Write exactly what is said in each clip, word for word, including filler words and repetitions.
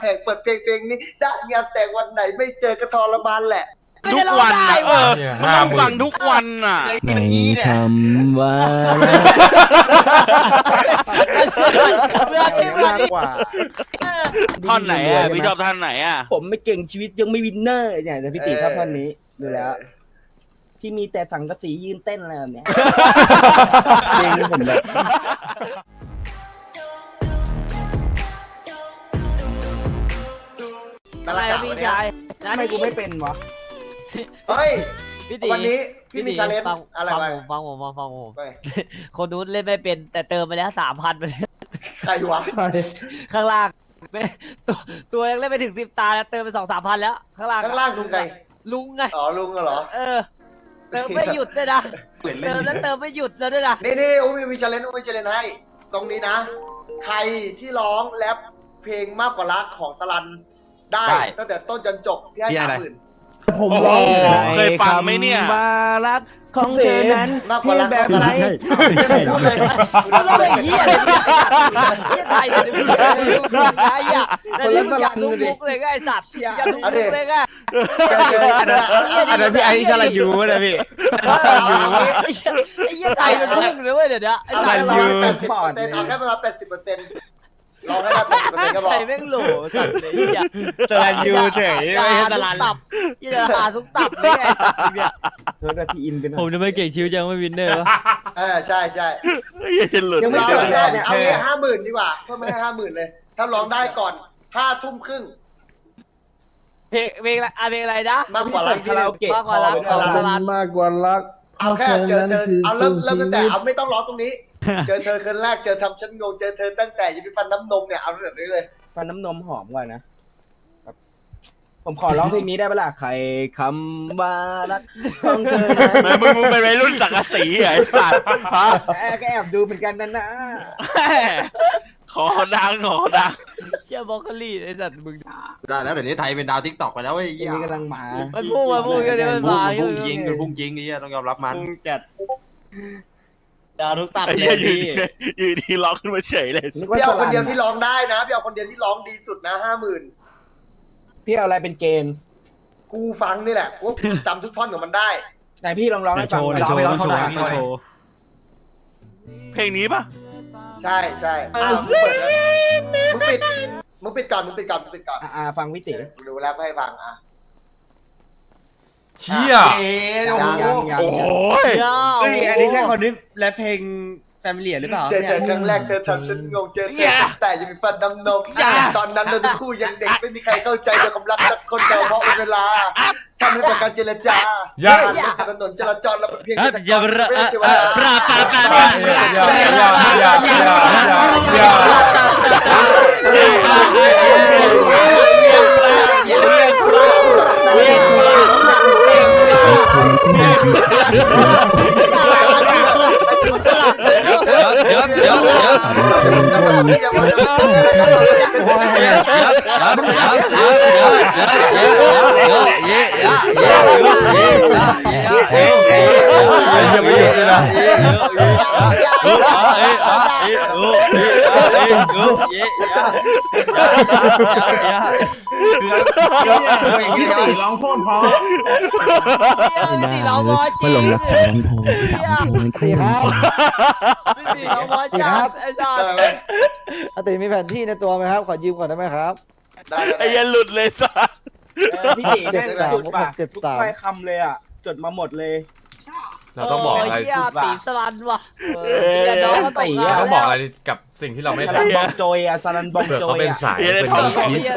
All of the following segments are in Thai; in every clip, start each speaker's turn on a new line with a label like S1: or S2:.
S1: แหกเปิดเพลงเพลงนี้ได้งานแต่งวันไหนไม่เจอกระทรมานแหละ
S2: ทุกวันนะเออมันต้องฟังทุกวันน่ะ
S3: ในคำว่า
S4: เพื่อนที่มากกว่า
S2: ท่อนไหนอ่ะพี่ชอบท่อนไหนอ่ะ
S3: ผมไม่เก่งชีวิตยังไม่วินเนอร์เนี่ยแต่พี่ติชอบท่อนนี้ดูแล้ว พี่มีแต่สังกะสียืนเต้นอะไรแบบเนี้ยเพลงนี้ผมแบบ
S4: อะไรอะพี่ชาย
S3: ทำไมกูไม่เป็นวะ
S1: เฮ้ย
S4: พี่ตี
S1: วันนี้พี่มีชาเลนจ์
S4: ฟัง
S1: อะไร
S4: ฟัง
S1: ไป
S4: ผมฟังผมฟังฟังผม
S1: ไป
S4: คนนู้นเล่นไม่เป็นแต่เติมไปแล้วสามพันไปเลย
S1: ใครวะ
S4: ข้างล่างไม่ตัวตัวยังเล่นไปถึงสิบตาแล้วเติมไปสองสามพันแล้วข้างล่าง
S1: ข้างล่างลุงไง
S4: ลุงไง
S1: อ๋อลุงเหรอ
S4: เออเติมไม่หยุดด้วยนะเติมแล้วเติมไม่หยุดแล้วด้วยนะ
S1: นี่นี่อุ้มมีชาเลนจ์อุ้มมีชาเลนจ์ให้ ตรงนี้นะ ใครที่ร้องแรปเพลงมากกว่ารักของสลันได้ตั้งแต่ต้นจนจบพี่ให้สามหมื่น
S3: ผมร้อง
S2: โอ้โหเคยฟังไหมเนี่ย
S3: ว่ารักของเธอนั้น
S1: มากกว่ารัก
S3: แบบไหน
S1: ไม่ใช่พูดเลย
S4: เราต้องไปเฮียเลยเฮียไทยเลยไอ้อะแต่นี่มึงอยากลุกลุกเลยไงไอ้สัตว์อยากลุกลุกเลยไง
S1: เจออันนั้น
S4: อันนั้นพี่ไอ้สลันยูนะพี่ไอ้เหี้ยไทยมันพุ่งเลยเว้ยเดี๋ยวนี้ไอ้
S1: เอา
S4: สลั
S1: แค่
S4: น
S1: ประ
S4: ยู
S1: มาณแปดสิบเปอร์เซ็นต์เอาแค่ประมาณแปดสิบเปอร์เซ็นต์ลองให้ได้แปดสิบเปอร์เซ็นต์ก็พอ
S4: ไทยแม่งโหลสัตว์เลยเหี้ย
S5: สลันยูเฉยไม่ใช่สลัน
S4: ตับยี่จะหาทุกตับเลยไอ้สัตว์เนี่ย
S3: เธอได้พี่อินเป็นหน่อย
S5: ผมจะไม่เก่งชิวยังไม่วินเนอร์วะ
S1: เออใช่ใช่
S2: อย่าจะหลุด
S1: ยังไม่
S2: เล
S1: เจ
S2: ย
S1: อได้เอาแค่ห้าหมื่นดีกว่าเพิ่มให้ห้าหมื่นเลย ถ้าร้องได้ก่อนห้าทุ่มครึ่ง
S4: เพลงเพลงอะไรอ่ะเพลงอะไรนะ
S1: มากกว่ารัก
S3: คาราโอเกะ
S4: มากกว่ารักของสลัน
S6: มากกว่ารัก
S1: เอาแค่เจอเธอเอาเริ่มเริ่มตั้งแต่เอาไม่ต้องร้องตรงนี้ เจอเธอคืนแรกเจอทำฉันงงเจอเธอตั้งแต่ยังมีฟันน้ำนมเนี่ยเอาแบบนี้เลย
S3: ฟันน้ำนมหอมกว่านะแบบผมขอร้องเพลงนี้ได้ปะล่ะใครคำว่ารักของเธอนั้น
S2: แม่มึงมึงเป็นวัยรุ่นสังกะสีเหรอไอ้สัตว์ฮะ
S3: แอบก็แอบดูเหมือนกันนะนะ
S2: ขอดังขอดัง
S4: เชี่ยบล็อกโคลี่ไอ้สัตว์มึง
S7: ได้แล้วเดี๋ยวนี้ไทยเป็นดาวทิกตอกไปแล้วเว้ย
S3: เพลงนี้กำลังมา
S4: มันพุ่งมาพุ่งกันเดี๋ยวมันมา
S7: พุ่งยิงมันพุ่งยิงไอ้เหี้ยต้องยอมรับมัน
S5: มึงจัดดาวทุกตัด
S2: ไอ้
S5: เล
S2: เหี้ย
S5: ย
S2: อยู่
S5: พี่
S2: ดีอยู่ดีร้องขึ้นมาเฉยเลย
S3: นึกว่า
S1: พี่
S3: ส
S1: เอาค
S3: ลั
S1: น
S3: น
S1: เดียวที่ร้องได้นะพี่เอาคนเดียวที่ร้องดีสุดนะห้าหมื่น
S3: พี่เอาอะไรเป็นเกณฑ์
S1: กูฟังนี่แหละกูจำทุกท่อนของมันได้
S3: ไหนพี่ลองร้อง
S5: ใน
S3: ให้
S5: โช
S3: ฟัง
S5: ว์
S3: ห
S5: ใน
S3: น่อย
S5: โชว์
S7: ไม่
S5: ใน
S7: ร้อง
S5: โช
S7: เท่าไหร่
S5: ว์
S7: พี่
S5: ในโชว์
S2: เพลงนี้ปะ
S1: ใช่ใช่อ้าวมึงเปิดเลยมึงปิดมึงปิดก่อนมึงปิดก่อนมึงปิดก่อน
S3: อ่าฟังพี่ติ
S1: ดูแล้วให้ฟังอ่ะ
S6: เชี่ย
S7: เอ๊ะโอ้
S3: ยัง
S7: โห
S3: ยัง
S2: โอ้
S3: ยัง
S2: ย
S5: เฮ้ยอันนี้ใช่คนที่แรปเพลงแฟมิลี่หรือเปล่า
S1: เจอเจอครั้งแรกเธอทำฉันงงเจอเธอตั้งแต่ยังมีฟันดำนมตอนนั้นเราทั้งคู่ยังเด็กไม่มีใครเข้าใจในความรักสักคนเดียวเพราะเวลาทำให้ประการเจรจา
S6: อย่า
S1: ถนนจราจรเราเพียง
S5: อ่ะ
S1: แค่
S5: อย่า
S1: เว
S5: ระ
S1: ลา
S5: อ่ะอ่ะปราปราปราปรา
S6: อย่าอย่าอย่าอย่าอย่าอย่า
S5: เดี๋ยวเดี๋ยวเดี๋ยวเดี๋ยว
S6: ยังไม่หยุดเลยนะ
S4: ตีร้องบอลจี
S3: ลงรักษาลำโพงสามโพงคู่กัน
S4: ตีร้องบอลจัดไอ้สัตว์
S8: อาติมีแผนที่ในตัวไหมครับ ขอยืมก่อนได้ไหมครับ
S2: ไอ้เหี้ยันหลุดเลยสัส
S3: พี่ติแม่งสุดป่ะทุกถ้อยคำเลยอ่ะจดมาหมดเลย
S6: เราต้องบอกอะไร
S4: เฮียตีสลันว่ะ
S2: เอ
S4: เฮียน้อง
S2: อ
S4: ก็ตก
S6: เราต้องบอกอะไรกับสิ่งที่เราไม่
S3: สลัน
S6: ทำ
S3: บองโจยอ่ะสลันบอง
S6: เผื่อ
S3: โจ
S6: เขา
S3: ย
S6: เป็น
S3: อ่ะ
S6: สายเป็นอีส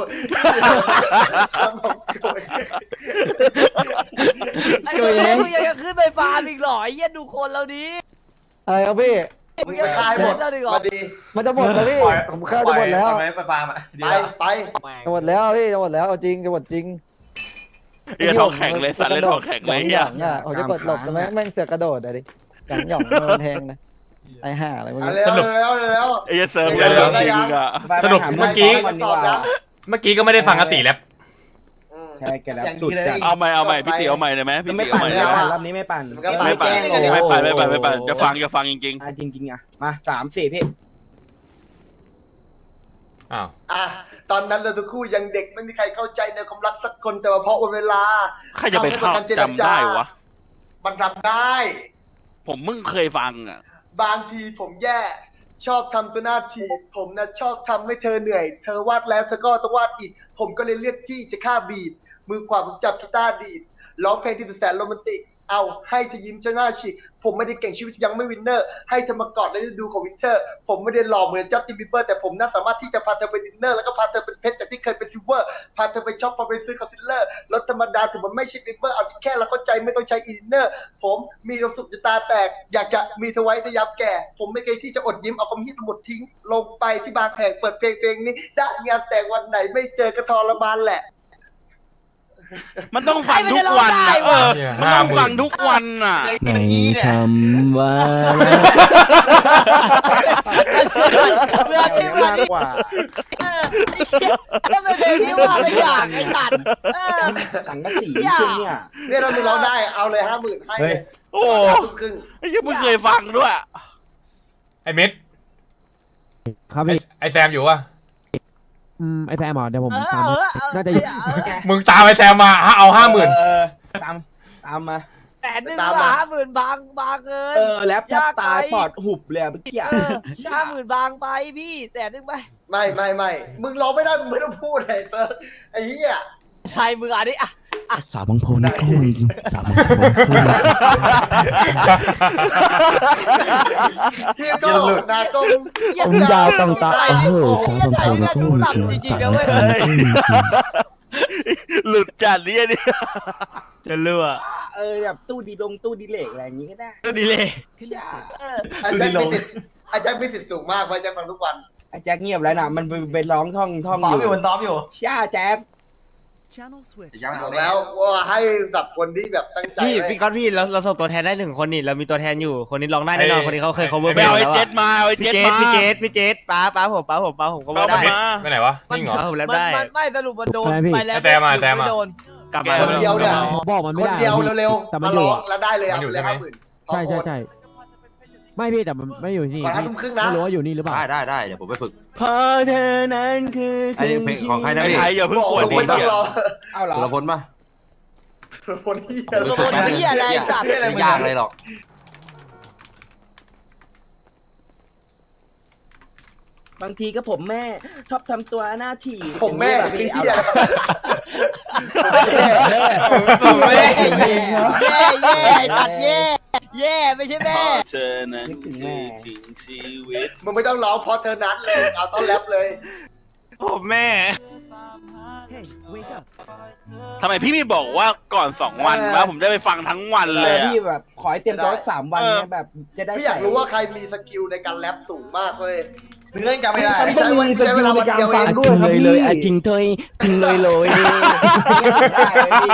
S4: ไอ้ตัวแม่งยังจะขึ้นไปฟาร์มอีกหรอไอ้เฮียดูคนเราดี
S8: อะไรครับพี่
S1: มึงไปคายหมด
S4: เราดีกว่า
S1: มาดี
S8: มันจะหมดแล้วพี่ ผมข้าวจะหมดแล้ว
S7: ไปไปฟาร์มอ่ะดี
S1: ไป
S7: แล้ว
S1: ไป
S8: จะหมดแล้วพี่จะหมดแล้วเอาจริงจะหมดจริง
S2: เหี้ยท้องแข็งเลยสัตว์เล่นท้องแข็งเลย
S8: ห
S2: เหี้ย
S8: ย่องอ่ะผมจะกดหลบแต่แม่งแม่งเสือกกระโดดอะดิหย่องหย่องโดนแทงนะไอ้ห่าอะไรพวก
S1: เอา
S8: นี้
S1: เร็วเร็วเร็ว
S2: ไอ้เหี้ยเซิร์ฟเลยจริงอ่ะ
S6: สรุปเมื่อกี้
S3: วันนี้ว่า
S6: เมื่อกี้ก็ไม่ได้ฟังอติแรป
S3: ใช่แกแล้วสุดจัด
S2: เอาใหม่เอาใหม่พี่ติ๋วเอาใหม่เลยไหมพี่
S3: ไม่
S2: ติ๋ว
S3: ปั่
S2: เอา
S3: น
S2: ใหม่เล
S3: แล้
S2: ยว ไหม
S3: รอบนี้ไม่ปั่น
S2: ไม่ปั่นไม่ปั่นไม่ปั่นไม่ปั่นจะฟังจะฟังจริง
S3: อ่ะจริงๆอ่ะมาสามสี่พี่
S6: อ้าว
S1: อ่ะตอนนั้นเราทั้งคู่ยังเด็กไม่มีใครเข้าใจในความรักสักคนแต่ว่าเพราะวันเวลา
S2: ใครจะไปเข้าจำได้วะ
S1: มันทำได้
S2: ผมมึงเคยฟังอ่ะ
S1: บางทีผมแย่ชอบทำตัวหน้าทีผมนะชอบทำให้เธอเหนื่อยเธอวาดแล้วเธอก็ต้องวาดอีกผมก็เลยเลือกที่จะฆ่าบีดมือขวาผมจับกีตาร์ดีดร้องเพลงที่แสนโรแมนติกเอาให้เธอยิ้มจนหน้าฉีกผมไม่ได้เก่งชีวิตยังไม่วินเนอร์ให้เธอมากอดในฤดูของวินเทอร์ผมไม่ได้หล่อเหมือนจัสตินบีเบอร์แต่ผมน่าสามารถที่จะพาเธอไปดินเนอร์แล้วก็พาเธอเป็นเพชรจากที่เคยเป็นซิลเวอร์พาเธอไปช็อปพาไปซื้อคอนซีลเลอร์รถธรรมดาถึงมันไม่ใช่ลิเวอร์เอาที่แค่เราเข้าใจไม่ต้องใช้อินเนอร์ผมมีความสุขจะตาแตกอยากจะมีเธอไว้ในยามแก่ผมไม่เคยที่จะอดยิ้มเอาความฮิตหมดทิ้งลงไปที่บางแห่งเปิดเพลงเพลงนี้ได้งานแต่งวันไหนไม่เจอกระทรมานแหละ
S2: มันต้องฟังทุกวันนะเออมันต้องฟังทุกวันอ่ะ
S3: ในคำว่า
S4: เพื่อนที่เพื่อนที่
S3: กว่า
S4: ก็เป็นเพลงที่ว่าไม่อยากไอ้สัตว์เออ
S3: สังกะสีช่วงเนี่ย
S1: เนี่ยเราดูเราได้เอาเลยห้าหมื่นให้เลย
S2: โอ้
S1: ทุ่มครึ่ง
S2: ไอ้ยังไม่เคยฟังด้วย
S6: ไอ้มิด
S9: ครับ
S6: ไอ้
S9: พี่
S6: ไอ้แซมอยู่ปะ
S9: อืมไอแซมเหรอเดี๋ยวผม
S4: เออ
S9: ตาม
S4: เออเออ
S9: น่าจะ
S6: มึงตามไอ้แซมมาฮะเอาห้าหมื่น
S3: เออตามตามมา
S4: แต่หนึ่งบาทห้าหมื่นบางบางเกิน
S3: เออแล็ปแทบตายปอดหุบเลยอะเมื่อกี้
S4: เออห้าหมื่นบางไปพี่แต่หนึ่งไป
S1: ไม่ไม่ไม่มึงร้องไม่ได้มึงไม่ต้องพูดเลยเซอร์ไอ้เหี้ย
S4: ไทยมืออันนี้อ่ะ
S3: สาวบางโพนี่ก็มีสาวบางโพ
S1: เฮียก็นาก็
S3: ผมยาวตั้งตาเออสาวบางโพนี่ก็มี
S4: จริงๆนะเว้ย
S2: หลุดจัดเนี่ยนี่จะเลือ
S3: เออแบบตู้ดีลงตู้ดีเหล็กอะไรอย่างงี้ก็ได้
S2: ก็ดีเลย
S4: เออ
S1: อาจารย์มีสิทธิ์อาจารย์มีสิทธิ์สูงมากไว้จะฟังทุกวัน
S3: ไอ้แจ็คเงียบแล้วนะมันไปร้องท่องท่อง
S7: ซ้อ
S3: อ
S7: มอยู่
S3: ยู่
S7: มันซ้อมอยู่
S3: ช่าแจ็ค
S7: ยัง
S1: บอกแล้วว่าให้แบบคนที่แบบตั้งใจ
S10: พี่
S1: ไว้
S10: พี่ก๊อตพี่เราเราส่งตัวแทนได้หนึ่งคนนี่เรามีตัวแทนอยู่คนนี้ร้องได้แน่นอนคนนี้เขาเคย cover
S2: ไปเอาไอ้
S10: แล้ว
S2: เจ็ดมาเอาไอ้
S10: พี่
S2: เจ็ด
S10: เจ
S2: มา
S10: สพี่เจสพี่เจสป้าป้าผมป้าผมป้าผม cover ได้
S2: เอามา
S6: ไปไหนวะนิ่งเหรอ
S10: ป้าผมแรป
S4: มัน
S10: ได้
S4: มันไม่สรุปมันโดนไปแล้ว
S6: แซมมาแซมมา
S4: ไโดน
S10: กลับมา
S1: คนเดียวเนี่ย
S9: บอกมัน
S1: ค
S9: ไม่
S1: น
S9: ได้
S1: เดียว
S9: พี่
S1: เร็ว
S9: แต่
S1: ๆ
S9: มัน
S1: มา
S9: อยู่
S1: ร้อง
S9: อะ
S1: แล้วได้เลย
S6: มั
S1: เอา
S6: นอยู่
S1: เลย
S6: ใช่ไหม
S1: ห้าหมื่น
S9: ใช่ใช่ใช่ไม่พี่แต่มันไม่ได้อยู่ที่นี่
S1: วันห้าทุ่มครึ่งนะ
S9: ไม่รู้ว่าอยู่นี่หรือเปล่า
S7: ได้ได้ได้เดี๋ยวผมไปฝึก
S3: เพราะเธอนั้นคือ
S7: ไอ้เพลงของใครนะ
S2: ไอ้ไทยอย่าเพิ่ง
S1: บอก
S2: ปวด
S1: ลง
S2: ดิ
S1: ไม่ต้อง
S2: เหี้ย
S1: รอ
S3: เอาเหรอ
S7: สุรพลป่ะ
S1: คนที่
S4: สุรพลเหี้ยอะไรสัตว์
S7: ไม่ยากเลยหรอก
S3: บางทีก็ผมแม่ชอบทำตัวหน้าถี่
S1: ผมแม่
S3: แบบ
S1: พี่
S3: นี้เอา
S1: เหี้
S3: เห
S1: ย
S3: รอ
S4: ผมแม่แย่แย่แย่ตัดแย่แย่ไม่ใช่แม่
S2: เธอนั้นคือถึงชีวิต
S1: มึงไม่ต้องร้องเพราะเธอนั้นเลยเอาต้อนแรปเลย
S10: ผมแม่
S2: ทำไมพี่ไม่บอกว่าก่อนสองวันว่าผมจะไปฟังทั้งวันเลยอะ
S3: พี่แบบขอให้เตรียมตัวสามวันเนี่ยแบบจะได้
S1: พี่อยากรู้ว่าใครมีสกิลในการแรปสูงมากเลย
S7: เนื้อจำไม่ได้
S1: ใช้วันใช้เวลาวันเดียวเอง
S3: ทิ้งเลยเลยอ่ะทิ้งเถอยทิ้งเลยเลยได้เลยพี่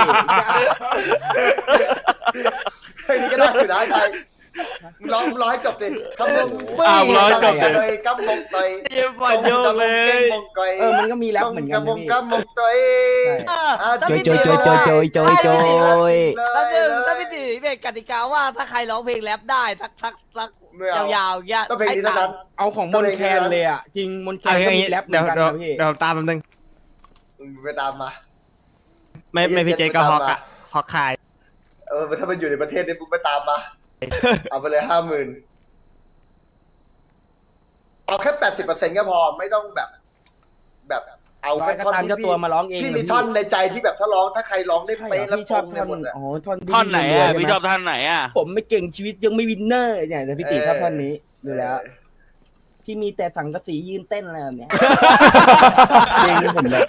S1: เฮ้ยนี่ก็ได้อยู่นะไทยมึงร้องมึงร้องให้จบดิคำมง
S2: อ้าวร้อยจบเลย
S1: เลยกำมงเตย
S10: เยี่ยมปอดโยกเลย
S1: มงเกย
S3: เออมันก็มีแรปเหมือนกัน
S1: กำม
S3: นะ
S1: ง
S3: พี่
S1: กำมงเตย
S3: โจยโจยโจยโจยโจยโจยโจย
S4: แป๊บนึงถ้าพี่ตีเป็นกติกาว่าถ้าใครร้องเพลงแรปได้ทักทักทัก
S1: ไม่เอา
S4: ยาวๆอย่างเงี้ย
S1: ต้องเพลงนี้เท่านั้น
S3: เอาของมนแคนเลยอ่ะจริงมนแค
S10: เอา
S3: น
S10: อ
S3: ก็
S10: ย่าง
S3: มี
S10: งี้
S3: แรปเหมื
S10: เดี๋
S3: อย
S10: วน
S3: กัน
S10: เดี๋ยว
S3: นะพี่
S10: เดี๋ยวผมตามแป๊บนึง
S1: มึงไปตามมา
S10: ไม่ไม่พี่เจก็ฮอกอะฮอกขาย
S1: เออถ้ามันอยู่ในประเทศนี้มึงไปตามมาเอาไปเลยห้าหมื่นเอาแค่แปดสิบเปอร์เซ็นต์ก็พอไม่ต้องแบบ แบบเอา
S3: ร้อ
S1: แค่
S3: ยก็
S1: ท่อน
S3: ตาม
S1: ที่
S3: เจ้าตัวมาร้องเอง
S1: พี่มีท่อนในใจที่แบบถ้าร้องถ้าใครร้องได้
S3: ใช่
S1: เป๊ะ
S3: เหร
S1: แล้
S3: อ
S1: ว
S3: พี่ชอบ
S1: ตรง
S3: ท่
S1: ใน
S3: อน
S1: หมดอะ
S3: อ๋อท่อน
S2: ท่อนไหนอ่ะพี่ชอบ
S3: บ
S2: ท่อนไหนอ่ะ
S3: ผมไม่เก่งชีวิตยังไม่วินเนอร์เนี่ยแต่พี่ตีชอบท่อนนี้ดูแล้ว พี่มีแต่สังกะสียืนเต้นอะไรแบบเนี้ยจริงผมเลย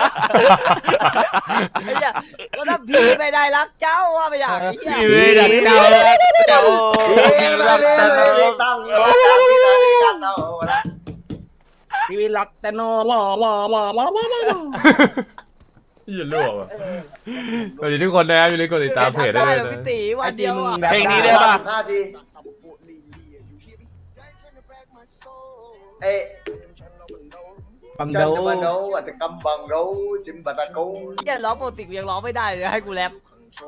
S4: ไอ้เนี่ยก็ถ้าพี่ไม่ได้รักเจ้าว่าไปอย่างนี้
S2: พี่ไม่ได้เจ้าเจ้า
S1: เอ้ยมาเลยเลยตั้งร้องตั้งที่ไหนตั้งเอาละ
S3: พี่รักแต่นอหล่อหล่อหล่อหล่อหล่อหล่อ
S6: อย่ารั่วว่ะสวัสดีทุกคนนะครับอย่าลืมกดติดตามเพจได้เลย
S4: พี่
S6: นะ
S4: ตีวันเดียวอ่ะ
S2: เพลงนี้ได้ป่ะ
S1: ห้าทีเอ๊ะ
S3: บัง
S1: จั
S3: โด
S1: นจะมาโน้อัตกรรมบังโรจิมบัตะกู
S4: แค่ร้องปกติกูยังร้องไม่ได้เลยให้กูแรป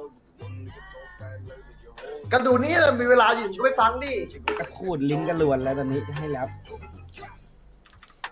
S1: ก็ดูนี่เรามีเวลาอยู่ก็ไปฟังดิ
S3: กระขูดลิ้นกระลวนแล้วตอนนี้ให้แล้ว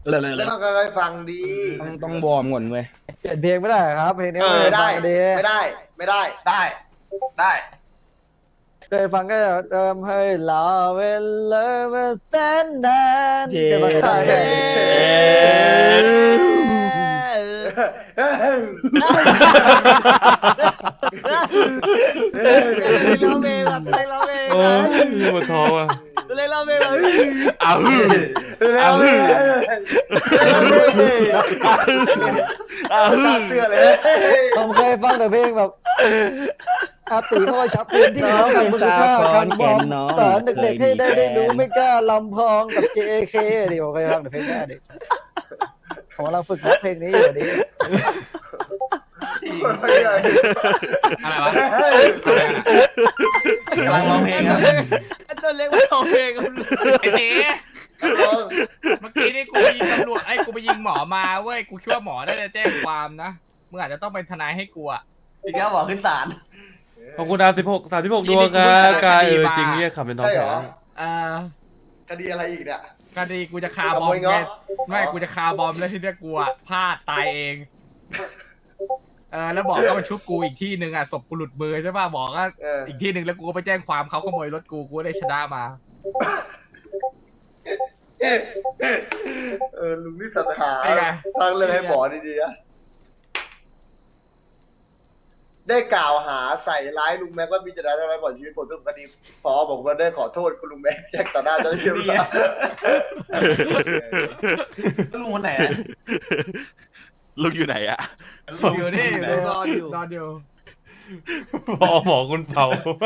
S1: แล้วต้องค่อยๆฟังดี
S3: ต้องต้องวอร์มก่อนเว้ย
S8: เปลี่ยนเพลงไม่ได้ครับเพลงนี้
S1: ไม่ได้
S8: ดี
S1: ไม่ได้ไม่ได้
S7: ได้ได้
S8: เคยฟังก็เติมให้รอเวลามาแสนนาน
S3: เย้
S8: เคยฟังได้ไหม
S4: เราเมย์แบบเราเมย์
S6: โอ้ยปวดท้องอ่ะ
S4: เลยเราเมย์แบบ
S2: เอาฮือ
S1: เอา
S2: ฮือเอาฮื
S1: ชา
S2: อ
S1: ติเสื้อเลย
S8: ผมเคยฟังแต่เพลงแบบอาติเข้ามาชับพื้นที่
S3: น้องเป็นสาวคอนแก่นน้อง
S8: สอนเด็กๆให้ได้
S3: เคยมี
S8: ได้รู้
S3: แฟน
S8: ไม่กล้าลำพองกับ เจ เค ดิผมเคยฟังแต่เพลงแค่ดิผมกำลังฝึกนักเพลงนี้อยู่ดิ
S5: อะไรวะ
S7: กำลังร้องเพลงครับ
S4: ตัวเล็กไม่ร้องเพลง
S5: ไอ้เต๋เมื่อกี้นี่กูไปยิงตำรวจไอ้กูไปยิงหมอมาเว้ยกูคิดว่าหมอได้จะแจ้งความนะมึงอาจจะต้องเป็นทนายให้กูอะ
S7: อีกแล้วบอกขึ้นศาล
S6: ขอบคุณดาวสิบหกสามสิบหกดวงครับกายเออจริงเนี่ยขับเป็นท้อง
S1: ใช่เห
S6: แถ
S1: ร
S6: ว
S1: อ
S5: เออ
S1: คดีอะไรอีกเนี่ย
S5: คดีกูจะคาบอมเนี่ยไม่กูจะคาบอมแล้วที่เนี้ยกูอะพลาดตายเองเออแล้วบอกก็มาชุบกูอีกที่หนึ่งอะศพกูหลุดมือใช่ป่ะบอกก็
S1: เออ
S5: อีกที่หนึ่งแล้วกูก็ไปแจ้งความเขาขโมยรถกูกูได้ชนะมา
S1: เออลุงนี่สัตว์หา
S5: เป็นไง
S1: สร้างเรื่องให้หมอดีๆนะได้กล่าวหาใส่ร้ายลุงแม็กว่ามีเจตนาทำร้ายก่อนชีวิตผมทุกคดีพอบอกว่าได้ขอโทษคุณลุงแม็กแจ้งต่อหน้าเจ้าหน้าที่ตำรวจ
S7: ลุงคนไหน
S2: ลุงอยู่ไหนอะ
S5: อยู่นี่
S4: นอนอยู่
S5: นอนอยู่
S6: พอหมอคุณเผา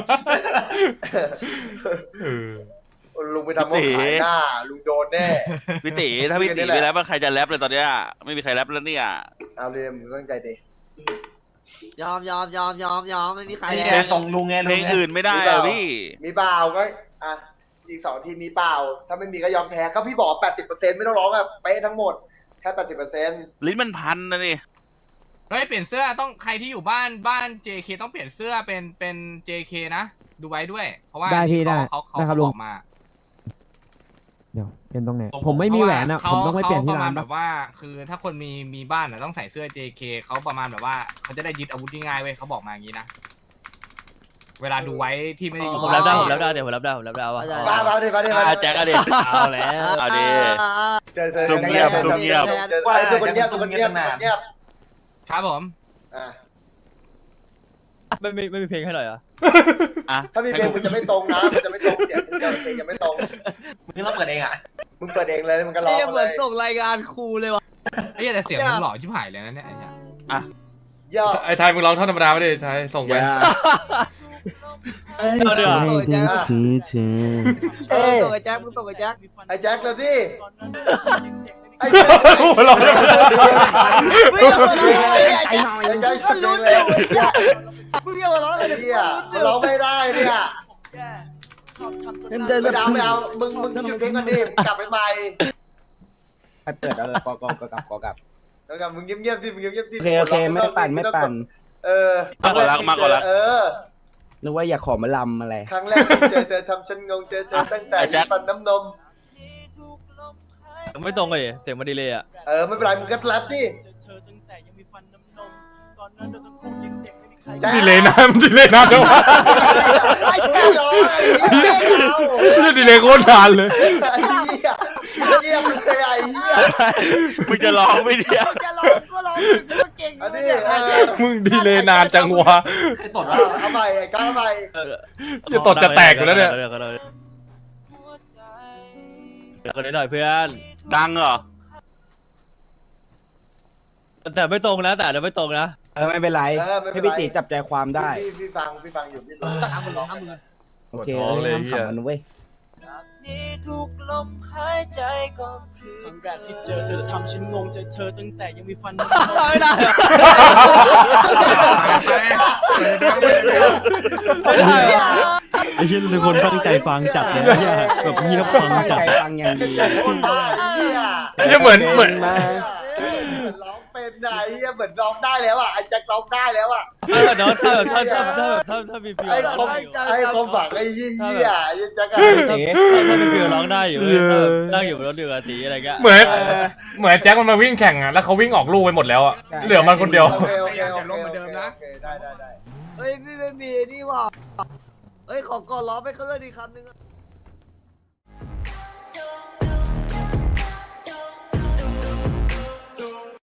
S6: เออ
S1: ลุงไปทำเขาขายหน้า ลุงโดนแน่
S2: พี่ตีถ้าพี่ตีไม่แรปว่าใครจะแรปเลยตอนเนี้ยไม่มีใครแรปแล้วเนี่ย
S1: เอาเลยมึงตั้งใจดิ
S4: ยอมยอมยอมยอมยอมไม่มีใคร
S7: ไอ้
S4: แล้
S7: เนี่
S4: วย
S7: ส่งลุงไง
S2: เพ
S7: ลุ
S2: ล
S7: ง
S2: ง
S7: ไง
S2: อื่นไม่ได้อะพี่
S1: มีเปล่าก็อ่ะอีกสองทีมมีเปล่า ถ้าไม่มีก็ยอมแพ้ก็พี่บอกแปดสิบเปอร์เซ็นต์ไม่ต้องร้องแบบเป๊ะทั้งหมดแค่แปดสิบเปอร์เซ็นต์
S2: ลิ้นมันพันนะนี่
S5: เฮ้ยเปลี่ยนเสื้อต้องใครที่อยู่บ้านบ้าน เจ เค ต้องเปลี่ยนเสื้อเป็นเป็น เจ เค นะดูไว้ด้วย เพราะว่า
S9: ได้พี่ได้
S5: เขาเขา
S9: ได้ครับ
S5: เขา
S9: ลุ
S5: บ
S9: ง
S5: อกมา
S9: เดี๋ยวเป็นตรงไหนผมไม่มีแหวนอ่ะ
S5: เขา
S9: ผมต้องไปเปลี่ยนที่
S5: ขประ
S9: ร้า
S5: มาณ
S9: น
S5: แบ
S9: ปะ
S5: บว่า คือถ้าคนมีมีบ้านอ่ะต้องใส่เสื้อ เจ เค เขาประมาณแบบว่าเขาจะได้ยึดอาวุธง่ายๆเว้ยเขาบอกมาอย่างนี้นะเวลาดูไว้ที่ไม่ได้อยู่
S10: ผมรับได้ผมรับได้เดี๋ยวผมรับได้ผมรับได้ว่า
S1: มามาดิมาดิมา
S2: อ่ะ
S1: ดิ
S2: แจ็คอะดิ
S10: เอาแล้ว
S2: เอาดิ
S1: เจอเจอ
S2: ซุ่มเงียบซุ่มเงียบ
S1: เจอว่าทุกคนเงียบทุกคนเงียบทุกคนเงียบ
S5: ครับผม
S1: อ่ะ
S10: ไม่ไม่ไม่มีเพลงให้หน่อยอ่ะ
S2: อ่ะ
S1: ถ้ามีเพลงมึงจะไม่ตรงนะมันจะไม่ตรงเสียงมึงจะเพลงจะไม่ตรง
S7: มึงต้องเปิดเองอ่ะ
S1: มึงเปิดเองเลยมึงก็ร้อง
S4: เนี่ย
S1: มา
S4: เห
S1: เล
S4: มือน
S1: ย
S4: ส่งรายงานครูเลยว่ะ
S5: ไอ้ยแต่เสียงมึงหล่อชิบหายเลยนะเนี่ยไอ้เนี่ย
S1: ย่อ
S6: ไอ้ไทยมึงร้องท่อนธรรมดาไม่ได้ไทยส่งไป
S10: เอาเดี๋ยว
S3: คือเธอ
S4: เออส่งไอ้แจ็คมึงส่งไอ้แจ็ค
S1: ไอ้แจ็คเลยดิไอ้
S6: หัวเราะเลย
S4: ไม่เอามาร้องเลยไอ้
S3: ไอ้
S4: แจ็ค
S3: หน่อย
S1: ไอ้แจ็ค
S4: ก็
S1: ชุด
S4: รู้
S1: เล
S4: อย ยู่ไอ้แจ็คมึงเอามาร้องเลย
S1: ไอ้เหี้ยมันร้องไม่ได้เนี่ย
S3: เดิน
S1: ไม่เอาไม่เอามึงมึงหยุดเพลงกันดิกลับไปใหม่
S3: ไปเปิดเอาเลยกอกอกอกลับกอกลับ
S1: แล้วกันมึงเงียบๆดิมึงเงียบๆดิ
S3: โอเคโอเคไม่ปั่นไม่ปั่น
S1: เออ
S2: มากกว่ารักมากกว่ารัก
S1: เออ
S3: นึกว่าอยากขอมาลำอะไร
S1: ครั้งแรกที่เจอเจอทำฉันงงเจอเจอตั้งแต่ฟันน้ำนม
S10: ไม่ตรงเลยเสียงมันดีเลยอ่ะ
S1: เออไม่เป็นไรมึงก็แรปดิ
S6: ดีเลยนะมันดีเลยนะจังหวะ
S1: ไอ้เหี้ยร้องไอ้เหี้ยเอา
S6: นี่ดีเลยโคตรนานเลย
S1: ไอ้เหี้ยเงียบเลยไอ้เหี้ย
S2: มึงจะร้องไหม่เนี่ย
S4: มึงจะร้องก็ร้องมึงก็เก่ง
S1: อันนี้
S4: เนี่ย
S1: เออ
S6: มึงดีเลยนานจังวะ
S7: ใครตดวะ
S1: เอาใหม่ไอ้ก้าวใหม่
S6: จะตดจะแตกอยู่แล้วเนี่ย
S10: เดี๋ยวก็ได้เดี๋ยวก็ได้หน่อยเพื่อน
S2: ดังเหรอ
S10: แต่ไม่ตรงนะแต่เดี๋ยวไม่ตรงนะ
S3: เออไม่เป็นไร
S1: เออไม่เป็
S3: ให้
S1: นไร
S3: พี่ติจับใจความได้
S1: พี่พี่ฟังพี่ฟังอยู่พี่รู้
S4: ทำมึงร้องทำมึง
S3: โอเค
S6: ปวดท้องเลย
S3: ห้าม
S6: เหี้ย
S3: ขำมันเว้ย
S11: ทุกลมหายใจก็คือครั้งแรกที่เจอเธอทำฉันงงใจเธอตั้งแต่ยังมีฟัน
S10: ไม่ได้
S9: ไอ้เชี่ยทุกคนตั้งใจฟังจัดเลยแบบเงียบฟังจัด
S3: ใจฟังอย่างดี
S1: คนบ้าไอ้เหี้ย
S6: เนี่ยเหมือนเหมือน
S3: มา
S1: ร้องเป็นไหนเหมือนร้องได้แล้วอ่ะไอ้แจ็คร้องได้แล้วอ่ะ
S10: เออเดี๋ยวถ้าถ้าถ้าถ้าถ้าถ้ามีฟิว
S1: ไอ้คมไอ้คมบักไอ้ยี่ยี่อ่ะไอ้แจ็คอะ
S10: ถ้ามีฟิวร้องได้อยู่นั่งอยู่บนรถเดือดตีอะไรเงี้ย
S6: เหมือนเหมือนแจ็คมันมาวิ่งแข่งอ่ะแล้วเขาวิ่งออกลูกไปหมดแล้วอ่ะเหลือมันคนเดียว
S1: โอเคโอเคโอเคโอเคได้ได้ได้
S4: เฮ้ยพี่ไม่มีนี่ว่ะเฮ้ยขอกอดล้อไปเขาเลยดีคำนึง